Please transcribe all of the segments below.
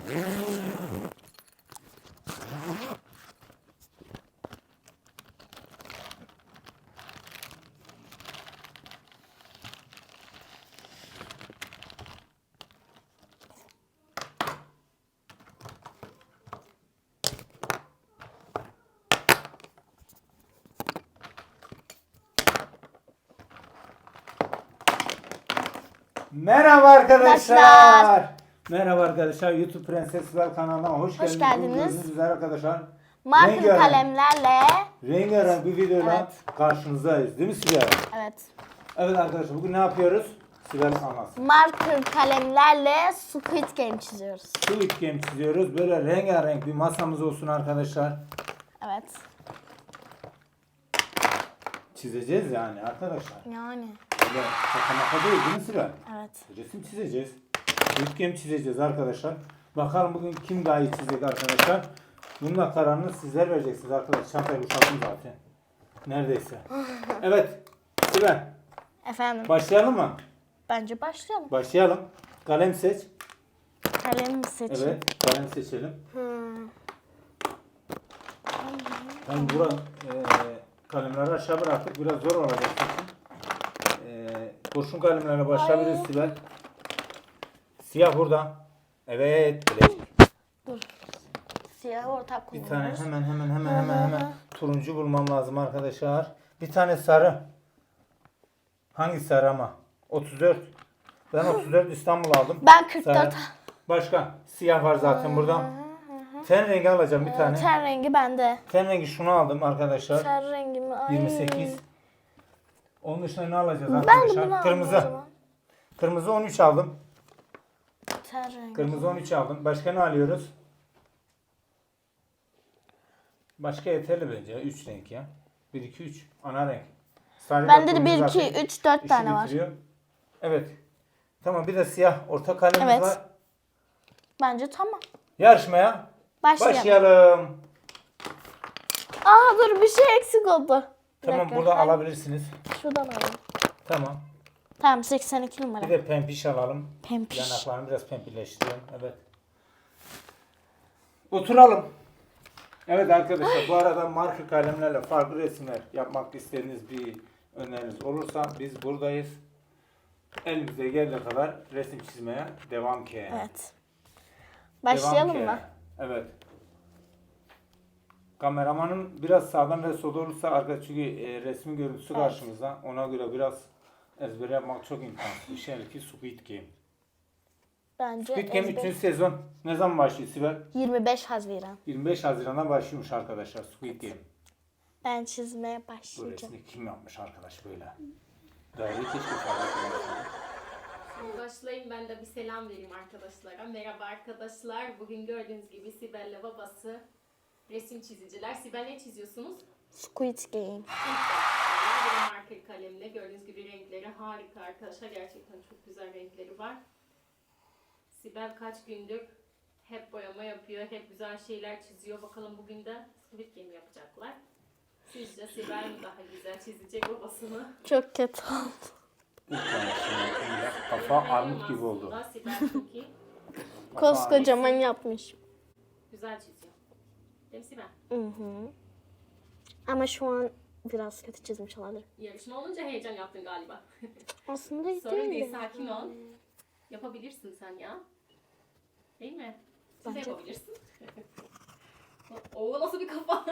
Merhaba arkadaşlar. Merhaba arkadaşlar. YouTube Prenses Sibel kanalına hoş geldiniz. Gördüğünüz üzere arkadaşlar. Marker kalemlerle rengarenk bir videoyla karşınızdayız. Değil mi Sibel? Evet. Evet arkadaşlar, bugün ne yapıyoruz? Sibel anlatsın. Marker kalemlerle Squid Game çiziyoruz. Squid Game çiziyoruz. Böyle rengarenk bir masamız olsun arkadaşlar. Evet. Çizeceğiz yani arkadaşlar. Yani. Böyle şaka maka değil mi Sibel? Evet. Resim çizeceğiz. Squid Game çizeceğiz arkadaşlar. Bakalım bugün kim daha iyi çizecek arkadaşlar. Bunun da kararını sizler vereceksiniz arkadaşlar. Çantayı boşalttım zaten. Neredeyse. Evet. Sibel. Efendim. Başlayalım mı? Bence başlayalım. Başlayalım. Kalem seç. Kalem seçin. Evet. Kalem seçelim. Ben burada kalemleri aşağı bıraktık. Biraz zor olacak. Kurşun kalemlerle başlayabiliriz Sibel. Siyah burada. Evet. Dur. Siyah ortak Bir kullanıyoruz. tane hemen turuncu bulmam lazım arkadaşlar. Bir tane sarı. Hangi sarı ama? 34. Ben 34 İstanbul aldım. Ben 44. Sarı. Başka? Siyah var zaten burada. Ten rengi alacağım bir tane. Ten rengi bende. Ten rengi şunu aldım arkadaşlar. Ten rengi mi? Ay. 28. Onun dışında ne alacağız Ben de arkadaşlar? bunu aldım o Kırmızı. zaman. Kırmızı 13 aldım. Ten rengi. Kırmızı 13 aldım. Başka ne alıyoruz? Başka yeterli bence. 3 renk ya. 1, 2, 3. Ana renk. Sarı Bende de da 1, zaten 2, 3, 4 işi tane var. bitiriyor. Evet. Tamam, bir de siyah orta kalemimiz Evet. var. Bence tamam. Yarışmaya başlayalım. Aa dur, bir şey eksik oldu. Bir Tamam, dakika. burada alabilirsiniz. Şuradan alalım. Tamam. Tamam, 82 numara. Bir de pempiş alalım. Pempiş. Yanaklarını biraz pempileştirelim. Evet. Oturalım. Evet arkadaşlar, bu arada marker kalemlerle farklı resimler yapmak istediğiniz bir öneriniz olursa biz buradayız. Elimize geldiği kadar resim çizmeye devam ki. Evet. Başlayalım Devam mı? ki. Evet. Kameramanın biraz sağdan ve solda olursa arkadaşlar, çünkü resmin görüntüsü karşımızda. Ona göre biraz ezber yapmak çok imkansız. Bir şey ki Squid Game. Bence Squid Game 3. sezon ne zaman başlıyor Sibel? 25 Haziran. 25 Haziran'da başlıyormuş arkadaşlar Squid Game. Ben çizmeye Bu başlayacağım. resmi kim yapmış arkadaş böyle? Daire keşke farklı. Başlayayım, ben de bir selam vereyim arkadaşlara. Merhaba arkadaşlar. Bugün gördüğünüz gibi Sibel'le babası resim çiziciler. Sibel, ne çiziyorsunuz? Squid Game. Bir marker kalemle. Gördüğünüz gibi renkleri harika arkadaşlar. Gerçekten çok güzel renkleri var. Sibel kaç gündür hep boyama yapıyor. Hep güzel şeyler çiziyor. Bakalım bugün de Squid Game yapacaklar. Sizce Sibel mi daha güzel çizecek babasını? Çok kötü oldu. Kafa armut gibi oldu. Aslında Sibel çok iyi. Koskocaman yapmış. Güzel çiziyor. Değil mi Sibel? Ama şu an biraz kötü çizmiş olabilir. Yarışma olunca heyecan yaptın galiba. Aslında hiç Sorun değil. değil, sakin ol. Yapabilirsin sen ya. Değil mi? Siz de Bence- yapabilirsin. Oo, nasıl bir kafa.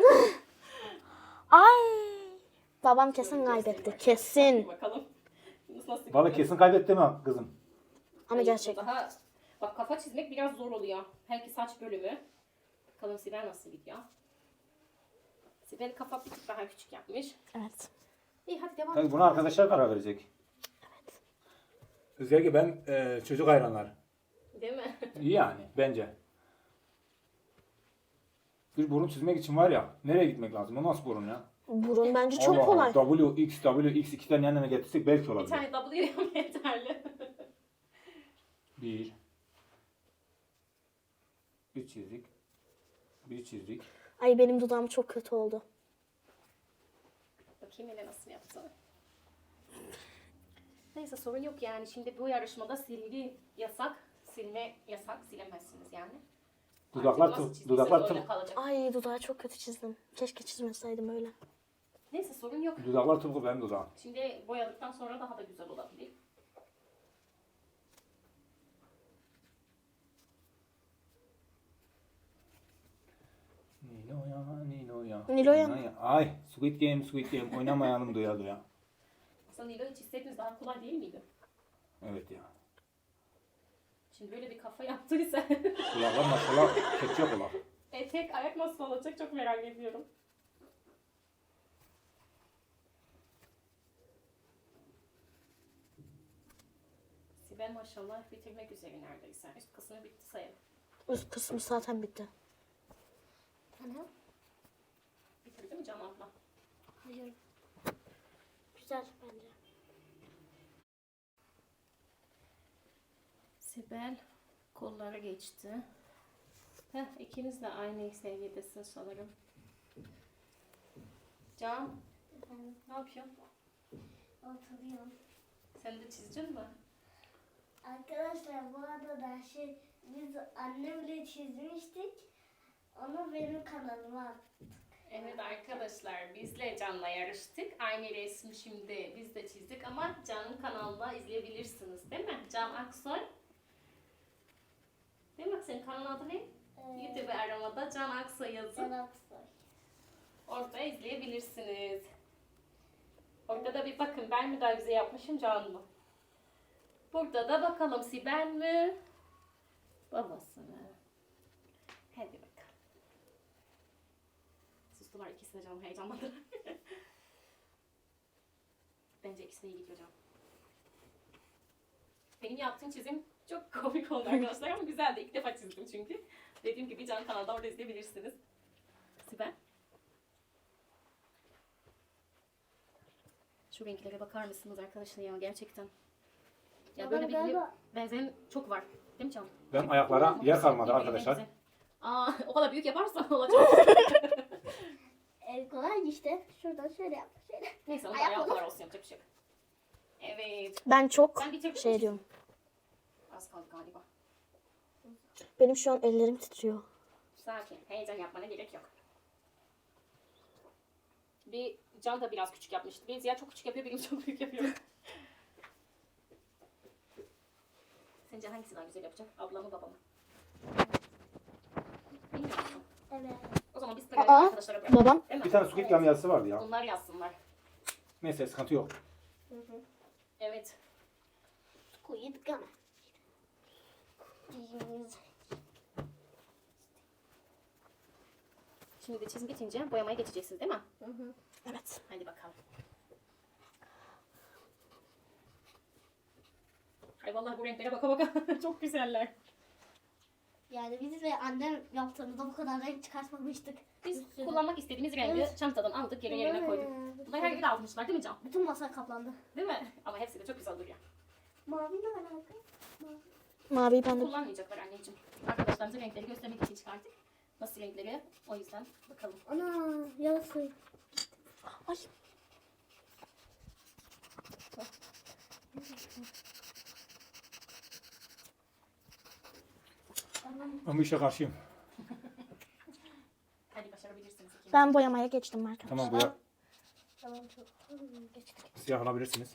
Ay. Babam kesin kaybetti. Kesin. Bakalım. Nasıl bir Balık kesin kaybetti mi kızım? Ama gerçekten. Daha, bak, kafa çizmek biraz zor oluyor. Belki saç bölümü. Bakalım Sibel nasıl gidiyor. Sibel kafa bir tık daha küçük yapmış. Evet. İyi, hadi devam Tabii et. buna arkadaşlar karar verecek. Evet. Özellikle ben çocuk hayranları. Değil mi? İyi yani bence. Bir burun çizmek için var ya, nereye gitmek lazım? O nasıl burun ya? Burun bence çok Allah kolay. Allah, WX iki tane yan yana getirsek belki Bir olabilir. tane W yeterli. Bir. Bir çizdik. Bir çizdik. Ay, benim dudağım çok kötü oldu. Bakayım hele nasıl yaptı. Neyse, sorun yok yani. Şimdi bu yarışmada silgi yasak. silme yasak. Silemezsiniz yani. Dudaklar Artık nasıl tut- çizdiyse dudaklar öyle tut- kalacak. Ay dudağı çok kötü çizdim. Keşke çizmeseydim öyle. Neyse sorun yok. Dudaklar tıpkı benim dudağım. Şimdi boyadıktan sonra daha da güzel olabilir. Nilo'ya. Nilo'ya. Ay, Squid Game oynamayalım duya duya. Aslında Nilo'yu çizseydiniz daha kolay değil miydi? Evet ya. Şimdi böyle bir kafa yaptıysa Kulaklar maşallah keçe kulak. tek ayak nasıl olacak çok merak ediyorum. Sibel maşallah bitirmek üzere neredeyse. Üst kısmı bitti sayalım. Üst kısmı zaten bitti. Ana. Bitirdi mi Can abla? Hayır. Güzel bence. Sibel kolları geçti. İkiniz de aynı seviyedesin sanırım. Can, ne yapıyorsun? Oturuyorum. Sen de çizecek mi? Arkadaşlar bu arada biz annemle çizmiştik. Onu benim kanalıma attık. Evet arkadaşlar, bizle Can'la yarıştık. Aynı resmi şimdi biz de çizdik ama Can'ın kanalında izleyebilirsiniz değil mi? Can Aksoy. Değil mi? Senin kanalın adı ne? YouTube aramada Can Aksoy yazın. Can Aksoy. Orada izleyebilirsiniz. Orada da bir bakın ben mi daha güzel yapmışım Can mı? Burada da bakalım Sibel mi? Babası mı? Hadi bakalım. Sustular ikisi de canım heyecanlandı. Bence ikisi de iyi gidiyor canım. Benim yaptığım çizim çok komik oldu arkadaşlar ama güzeldi. İlk defa çizdim çünkü. Dediğim gibi Can kanalda orada izleyebilirsiniz. Sibel. Şu renklere bakar mısınız arkadaşlar ya gerçekten. Ya Baba, böyle bir galiba- benzeyen çok var. Değil mi Can? Ben ayaklara yer kalmadı Birbirine arkadaşlar. benzeyen. Aa, o kadar büyük yaparsan olacak. Kolay işte. Şuradan şöyle yap. Şöyle. Neyse onun Ayak ayağı olur. kadar olsun yapacak bir şey yok. Evet. Ben çok Sen bitirdin şey mi? diyorum. Az kaldı galiba. Benim şu an ellerim titriyor. Sakin. Heyecan yapmana gerek yok. Bir Can da biraz küçük yapmıştı. Bir Ziya çok küçük yapıyor, benim çok büyük yapıyor. Sence hangisi daha güzel yapacak? Abla mı baba mı? Bilmiyor musun? Evet. O zaman biz Aa, arkadaşlara bırakalım. babam. Değil mi? Bir tane Squid Game yazısı vardı ya. Onlar yazsınlar. Neyse sıkıntı yok. Evet. Squid Game. Şimdi de çizim bitince boyamaya geçeceksiniz değil mi? Evet. Hadi bakalım. Ay vallahi bu renklere baka baka çok güzeller. Yani biz de annem yaptığımızda bu kadar renk çıkartmamıştık. Biz Bir sürü. kullanmak istediğimiz rengi Evet. çantadan aldık, yerine koyduk. Bunları her yere almışlar değil mi Can? Bütün masa kaplandı. Değil mi? Ama hepsi de çok güzel duruyor. Mavi ne alaka? Maviyi ben de... Kullanmayacaklar anneciğim. Arkadaşlarımıza renkleri göstermek için çıkarttık. Nasıl renkleri? O yüzden bakalım. Ana yarısı. Ay. Ben bu işe karşıyım. Hadi başarabilirsiniz. ikiniz. Ben boyamaya geçtim arkadaşlar. Tamam bu Tamam çok. Geçtik. siyah alabilirsiniz.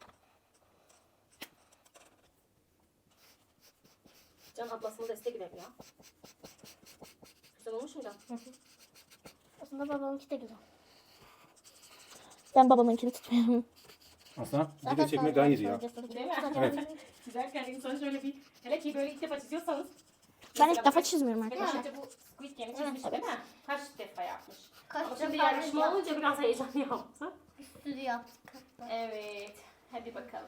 Can ablasına destek verin ya. Güzel olmuş mu Can? Aslında babamınki de güzel. Ben babamınkini tutmuyorum. Aslında video çekmek daha iyiydi ya. Değil mi? Evet. Çizerken insan şöyle bir... Hele ki böyle ilk defa çiziyorsanız. Ben Mesela ilk defa bu- çizmiyorum Mesela arkadaşlar. önce bu Squid Game'i çizmiş değil mi? Kaç defa yapmış? Kaç Ama şimdi defa yarışma yaptık? olunca biraz heyecan yaptı. Stüdyo yaptık hatta. Evet. Hadi bakalım.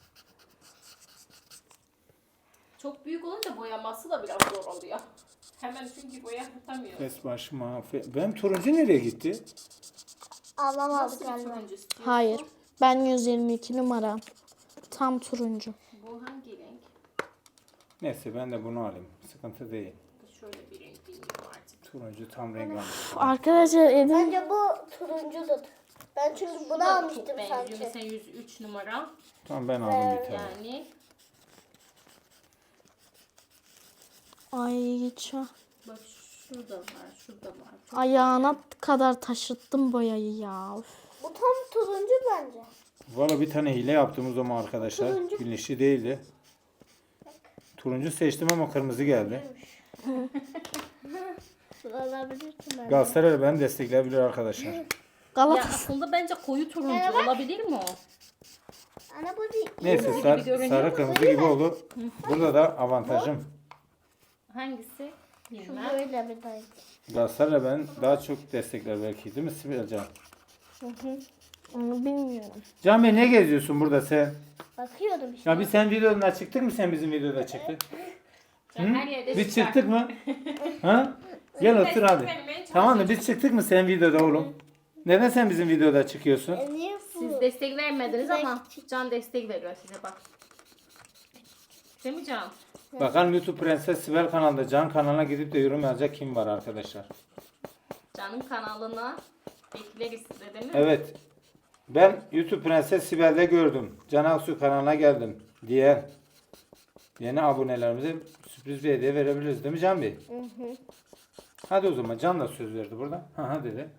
Çok büyük olunca boyaması da biraz zor oluyor. Hemen çünkü boyatamıyor. Fes başıma. Benim turuncu nereye gitti? Ablam aldı Nasıl bir galiba. turuncu istiyorsun? Hayır. Ben 122 numara. Tam turuncu. Bu hangi renk? Neyse ben de bunu alayım. Sıkıntı değil. Şöyle bir renk bilmiyorum artık. Turuncu tam renk almış. Arkadaşlar Edin Bence bu turuncudur. Ben çünkü Bu bunu da almıştım çok benziyor. sanki. Mesela 103 numara. Tamam ben aldım bir tane. Yani Ay çok. Bak şurada var, şurada var. Çok Ayağına kadar taşıttım boyayı ya. Üf. Bu tam turuncu bence. Valla bir tane hile yaptığımız zaman arkadaşlar. Turuncu. Bilinçli değildi. Turuncu seçtim ama kırmızı geldi. Bu olabilir ki bence. Galatasaray beni destekleyebilir arkadaşlar. Ya Galatasaray. aslında bence koyu turuncu Evet. olabilir mi o? Ana bu değil. Neyse gibi sarı, görünüyor sarı ama kırmızı gibi oldu. Burada da avantajım. Hangisi? Şu Bilmem. böyle bir tane. Galatasaray beni daha çok destekler belki, değil mi Sibelcan? Onu bilmiyorum. Can Bey ne geziyorsun burada sen? Bakıyordum işte. Ya biz sen videoda çıktık mı, sen bizim videoda çıktık? Can her yerde Biz çıkar. çıktık mı? Ha? Gel otur hadi. Desteklemeye Tamam da çalışıyoruz. biz çıktık mı sen videoda oğlum? Neden sen bizim videoda çıkıyorsun? Niye bu? Siz destek vermediniz ama Can destek veriyor size bak. Değil mi Can? Bakalım YouTube Prenses Sibel kanalında Can kanalına gidip de yorum yazacak kim var arkadaşlar? Can'ın kanalına bekleriz size değil mi? Evet. Ben YouTube Prenses Sibel'de gördüm. Can Aksu kanalına geldim diye yeni abonelerimize sürpriz bir hediye verebiliriz değil mi Can Bey? Hadi o zaman Can da söz verdi burada. Ha dedi.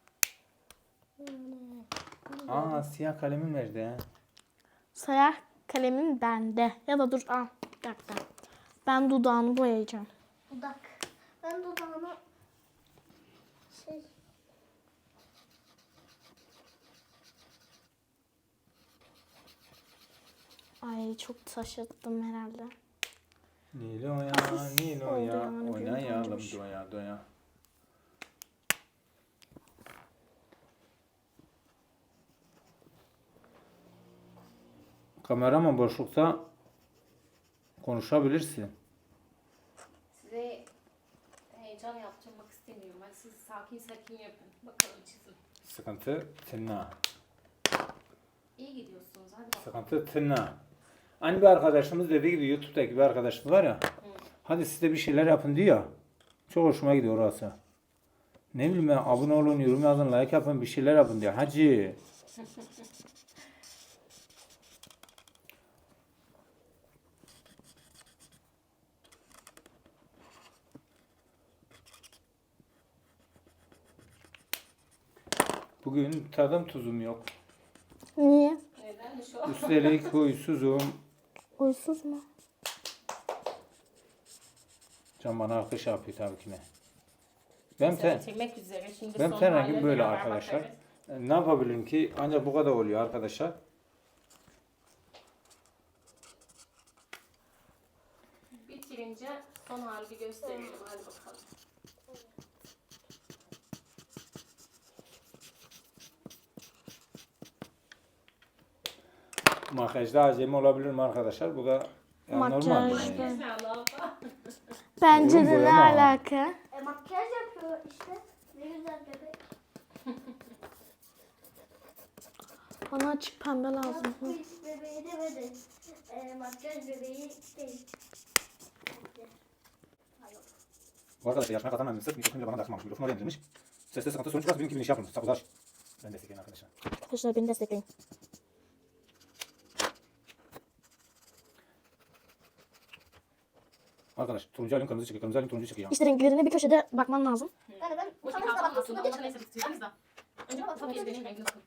Aa siyah kalemim nerede ha? Sayar kalemim bende. Ya da dur al. Bir dakika. Ben dudağını boyayacağım. Dudak. Ben dudağına şey. Ay çok taşıttım herhalde. Niloya, Niloya, oynayalım, oynayalım oynayalım. doya doya. Kameraman boşlukta konuşabilirsin. Size heyecan yaptırmak istemiyorum. Hadi siz sakin sakin yapın. Bakalım çizin. Sıkıntı tırnağı. İyi gidiyorsunuz. Hadi bakalım. Sıkıntı tırnağı. Hani bir arkadaşımız dediği gibi YouTube'daki bir arkadaşımız var ya. Hadi siz de bir şeyler yapın diyor. Çok hoşuma gidiyor orası. Ne bileyim ben, abone olun, yorum yazın, like yapın, bir şeyler yapın diyor. Hacı. Bugün tadım tuzum yok. Niye? Nedenmiş o? Üstelik huysuzum. Uysuz mu? Can bana alkış yapıyor tabii ki ne. Ben Bitirmek üzere. Şimdi ben son ten haline rengim böyle beraber arkadaşlar. bakarız. Ne yapabilirim ki? Ancak bu kadar oluyor arkadaşlar. Bitirince son hali gösterelim. Hadi bakalım. Makyajda acemi olabilirim arkadaşlar. Bu da ya normal. Makyaj. Yani. Neyse Allah. Bence Oğlum, de ne boyama. alaka? Makyaj yapıyor işte. Ne güzel bebek. Bana açık pembe lazım. Bu hiç bebeği demedi. Makyaj bebeği değil. Bu arkadaşlar yaşına kazanmamış. Sırf mikrofonu bile bana takmamış. Mikrofonu oraya indirmiş. Seste sıkıntı sorun çıkarsa benimki bir iş yapmamış. Sakuzar. Ben destekleyin arkadaşlar. Arkadaşlar beni destekleyin. Arkadaş turuncu alayım kırmızı çıkıyor. Kırmızı alayım turuncu çıkıyor. İşte renklerine bir köşede bakman lazım. Yani ben Bu utanırsa kalsın bakmasın aslında. diye Onun neyse bitirdiniz de. Önce bakalım benim rengim nasıl.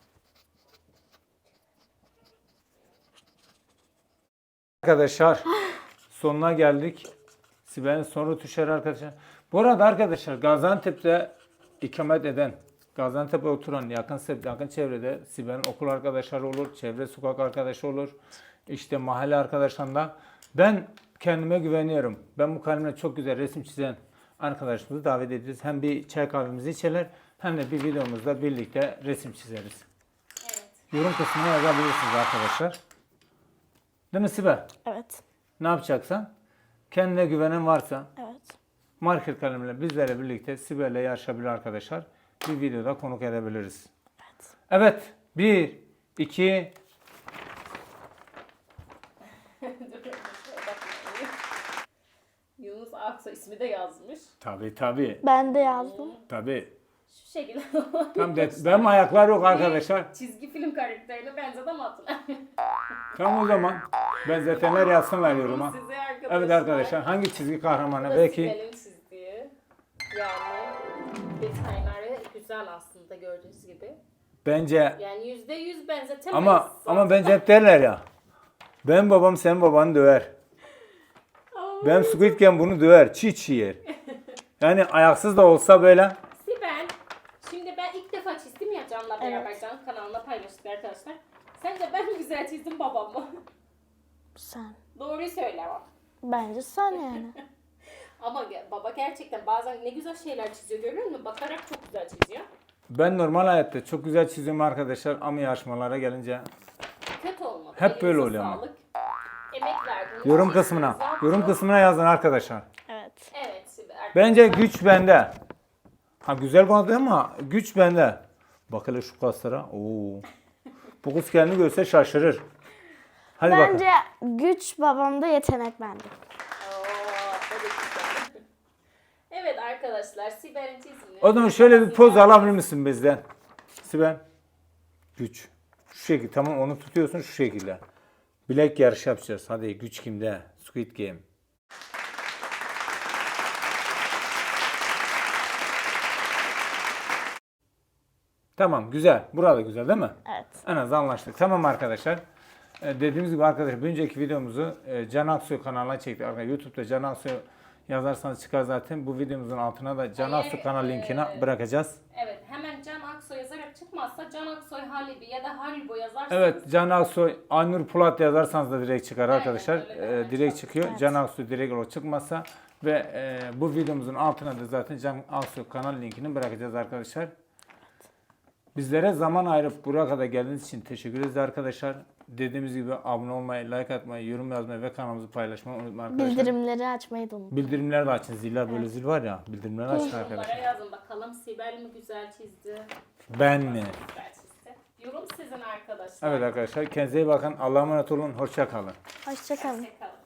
Arkadaşlar sonuna geldik. Sibel'in son rötuşları arkadaşlar. Bu arada arkadaşlar Gaziantep'te ikamet eden, Gaziantep'e oturan yakın çevrede Sibel'in okul arkadaşları olur, çevre sokak arkadaşı olur, işte mahalle arkadaşlarında. Ben kendime güveniyorum. Ben bu kalemle çok güzel resim çizen arkadaşımızı davet edeceğiz. Hem bir çay kahvemizi içerler hem de bir videomuzda birlikte resim çizeriz. Evet. Yorum kısmına yazabilirsiniz arkadaşlar. Değil mi Sibel? Evet. Ne yapacaksan? Kendine güvenen varsa Evet. marker kalemle bizlerle birlikte Sibel'le yarışabilir arkadaşlar. Bir videoda konuk edebiliriz. Evet. 1, 2, Yunus Aksoy ismi de yazmış. tabii. Ben de yazdım. Tabii. Şu şekilde. Tam benim ayaklar yok arkadaşlar. Çizgi film karakterine benzedi ama hatırlamıyorum. Tamam o zaman. Benzetenler yazsınlar yoruma. Size arkadaşlar. Evet arkadaşlar hangi çizgi kahramanı Bu da belki Sibel'in çizdiği. Yani detayları güzel aslında gördüğünüz gibi. bence Yani %100 benzetemeyiz. ama bence hep derler ya. Ben babam senin babanı döver. Ben Squid Game bunu döver. Çiğ çiğ yer. Yani ayaksız da olsa böyle. Sibel, şimdi ben ilk defa çizdim ya Can'la beraber Can kanalına paylaştık arkadaşlar. Sence ben mi güzel çizdim babam mı? Sen. Doğruyu söyle ama. Bence sen yani. Ama baba gerçekten bazen ne güzel şeyler çiziyor görüyor musun? Bakarak çok güzel çiziyor. Ben normal hayatta çok güzel çiziyorum arkadaşlar ama yarışmalara gelince Kötü olmadı. Hep böyle Elinize oluyor ama. sağlık. Emek verdiniz. yorum kısmına. Yorum kısmına yazın arkadaşlar. Evet. Evet Sibel. Bence güç bende. Ha güzel konuştu ama güç bende. Bak hele şu kaslara. Oo. Bu kız kendini görse şaşırır. Hadi bakalım. Bence güç babamda, yetenek bende. Oo, hadi güzel. Evet arkadaşlar Sibel'in çizimini. O zaman şöyle bir poz alabilir misin bizden? Sibel. Güç. Şu şekilde tamam onu tutuyorsun şu şekilde. Bilek yarışı yapacağız. Hadi güç kimde? Squid Game. Tamam güzel. Burada güzel değil mi? Evet. En az anlaştık. Tamam arkadaşlar. Dediğimiz gibi arkadaşlar bir önceki videomuzu Can Aksoy kanalına çektik. Arkadaşlar YouTube'da Can Aksoy yazarsanız çıkar zaten. Bu videomuzun altına da Can Aksoy kanal linkini bırakacağız. Evet hemen Can Aksoy yazarak çıkmazsa Can Aksoy Halibi ya da Haribo yazarsanız. Evet Can Aksoy, Aynur Pulat yazarsanız da direkt çıkar arkadaşlar. öyle. Direkt çıkıyor. Evet. Can Aksoy direkt olarak çıkmazsa ve bu videomuzun altına da zaten Can Aksoy kanal linkini bırakacağız arkadaşlar. Bizlere zaman ayırıp buraya kadar geldiğiniz için teşekkür ederiz arkadaşlar. Dediğimiz gibi abone olmayı, like atmayı, yorum yazmayı ve kanalımızı paylaşmayı unutmayın arkadaşlar. Bildirimleri açmayı da unutmayın. Bildirimleri de açın. Ziller böyle zil var ya. Bildirimleri açın Yorumlara arkadaşlar. yazın bakalım Sibel mi güzel çizdi? Ben mi? Güzel çizdi. Yorum sizin arkadaşlar. Evet arkadaşlar. Kendinize iyi bakın. Allah'a emanet olun. Hoşça kalın. Hoşçakalın. Hoşçakalın.